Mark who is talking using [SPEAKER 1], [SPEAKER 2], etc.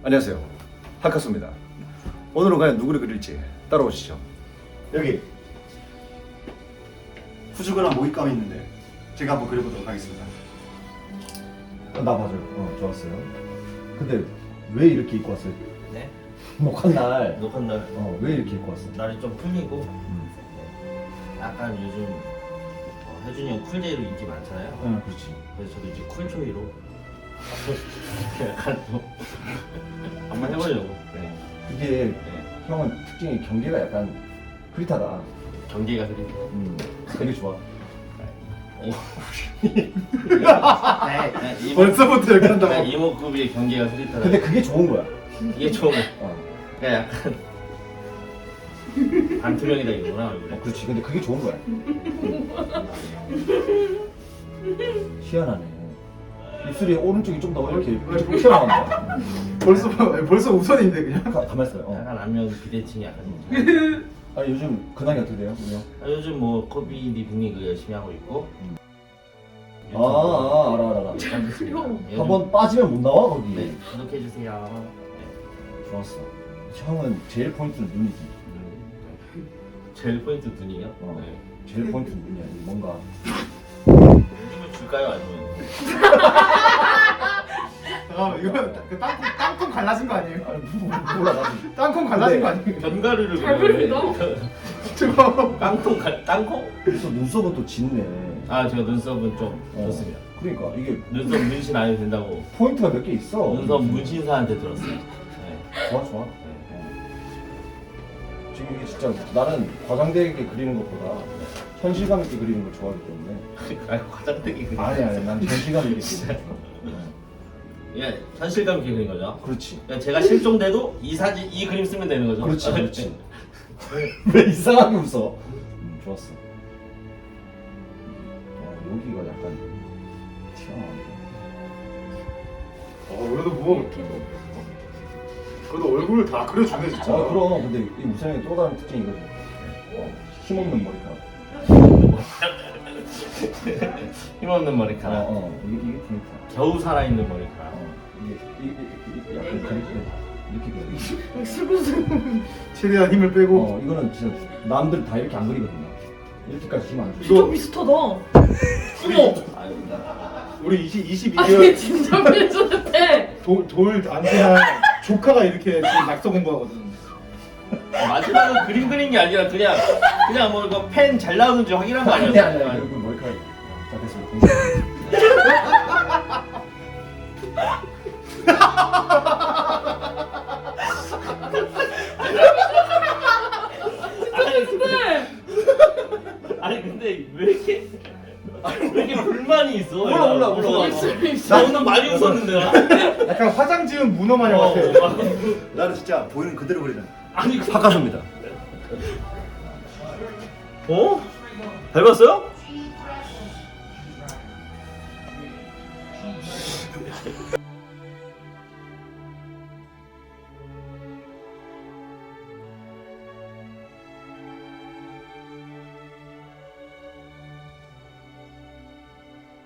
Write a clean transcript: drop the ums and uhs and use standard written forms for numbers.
[SPEAKER 1] 안녕하세요, 하카소입니다. 오늘은 과연 누구를 그릴지 따라오시죠.
[SPEAKER 2] 여기 후주근한 모잇감이 있는데 제가 한번 그려보도록 하겠습니다.
[SPEAKER 3] 나 맞아요. 좋았어요. 근데 왜 이렇게 입고 왔어요?
[SPEAKER 4] 네?
[SPEAKER 3] 목한 날.
[SPEAKER 4] 녹한 날
[SPEAKER 3] 왜 이렇게 입고 왔어?
[SPEAKER 4] 날이 좀 풀리고 약간 요즘 혜준이 형 쿨데이로 인기 많잖아요.
[SPEAKER 3] 응, 그렇지.
[SPEAKER 4] 그래서 저도 이제 쿨초이로 약간 또 한번 해보려고. 네.
[SPEAKER 3] 이게
[SPEAKER 4] 네.
[SPEAKER 3] 형은 특징이 경계가 약간 흐릿하다.
[SPEAKER 4] 경계가 그리고
[SPEAKER 3] 되게 좋아.
[SPEAKER 2] 벌써부터 이렇게 한다고?
[SPEAKER 4] 이목구비의 경계가 흐릿하다.
[SPEAKER 3] 근데 그게 좋은 거야.
[SPEAKER 4] 이게 좋은 거.
[SPEAKER 3] 어.
[SPEAKER 4] 그냥 약간 반투명이다 이거구나 얼굴에.
[SPEAKER 3] 그렇지. 근데 그게 좋은 거야. 희한하네. 입술이 오른쪽이 좀 더 이렇게 튀어나온다.
[SPEAKER 2] 벌써 우선인데 그냥.
[SPEAKER 3] 가만 있어요.
[SPEAKER 4] 약간 안면 비대칭이 약간 좀.
[SPEAKER 3] 아 요즘 근황이 어떻게 돼요, 우리 형?
[SPEAKER 4] 요즘 뭐 코비디 빅리그 열심히 하고 있고.
[SPEAKER 3] 알아. 한번 빠지면 못 나와 거기.
[SPEAKER 4] 네, 구독해주세요.
[SPEAKER 3] 좋았어. 형은 제일 포인트는 눈이지.
[SPEAKER 4] 제일 포인트 눈이요? 네.
[SPEAKER 3] 제일 포인트는 눈이야. 뭔가.
[SPEAKER 4] 힘을 줄까요? 아니면?
[SPEAKER 2] 잠깐만 이거 그 땅콩 갈라진 거 아니에요?
[SPEAKER 3] 몰라 나도.
[SPEAKER 2] 땅콩 갈라진 거 아니에요?
[SPEAKER 4] 견과류를
[SPEAKER 5] 잘 그린다.
[SPEAKER 2] 저거
[SPEAKER 4] 땅콩?
[SPEAKER 3] 그래서 눈썹은 또 짙네.
[SPEAKER 4] 아 제가 눈썹은 좀
[SPEAKER 3] 어.
[SPEAKER 4] 좋습니다.
[SPEAKER 3] 그러니까 이게
[SPEAKER 4] 눈썹 문신 안 해도 된다고
[SPEAKER 3] 포인트가 몇 개 있어.
[SPEAKER 4] 눈썹 문신사한테 들었어요. 네.
[SPEAKER 3] 좋아. 지금 이게 진짜 나는 과장되게 그리는 것보다 현실감 있게 그리는 걸 좋아하기 때문에.
[SPEAKER 4] 아니 과장되게 그린
[SPEAKER 3] 아니 난 현실감 있게 그리는 거.
[SPEAKER 4] 예, 현실감 있게 그린 거죠.
[SPEAKER 3] 그렇지.
[SPEAKER 4] 그러니까 제가 실종돼도 이 그림 쓰면 되는 거죠.
[SPEAKER 3] 그렇지. 왜 이상하게 웃어? 좋았어. 여기가 약간 튀어나온다.
[SPEAKER 2] 그래도 뭐 그래도 얼굴을 다 그려주네 진짜.
[SPEAKER 3] 그럼 근데 이 우선의 또 다른 특징이거든. 힘없는 머리카락.
[SPEAKER 4] 힘없는 머리카락.
[SPEAKER 3] 이게 포인트야.
[SPEAKER 4] 겨우 살아있는 머리카락.
[SPEAKER 3] 이게 약간 이렇게 그려.
[SPEAKER 5] 슬금슬금.
[SPEAKER 2] 최대한 힘을 빼고.
[SPEAKER 3] 이거는 진짜 남들 다 이렇게 안 그리거든요. 이렇게까지 힘 안 줘.
[SPEAKER 5] 진짜 비슷하다. 어머.
[SPEAKER 4] 아유,
[SPEAKER 2] 우리
[SPEAKER 5] 아니
[SPEAKER 2] 22개월
[SPEAKER 5] 진짜 비슷해.
[SPEAKER 2] 돌 안테나 조카가 이렇게 지금 낙서 공부하거든.
[SPEAKER 4] 마지막은 그림 그린 게 아니라 그냥 뭐 이거 펜 잘 나오는지 확인한 거
[SPEAKER 3] 아니야.
[SPEAKER 4] 아니었어요?
[SPEAKER 3] 여기 머리카락. 자 됐어.
[SPEAKER 4] 아니 근데 왜 이렇게 불만이 있어?
[SPEAKER 3] 몰라.
[SPEAKER 4] 나 오늘 많이 웃었는데 나.
[SPEAKER 2] 약간 화장 지은 문어 마냥 같아.
[SPEAKER 1] 나는 진짜 보이는 그대로 그리잖아.
[SPEAKER 4] 아니
[SPEAKER 1] 하카소입니다.
[SPEAKER 4] 어? 닮았어요?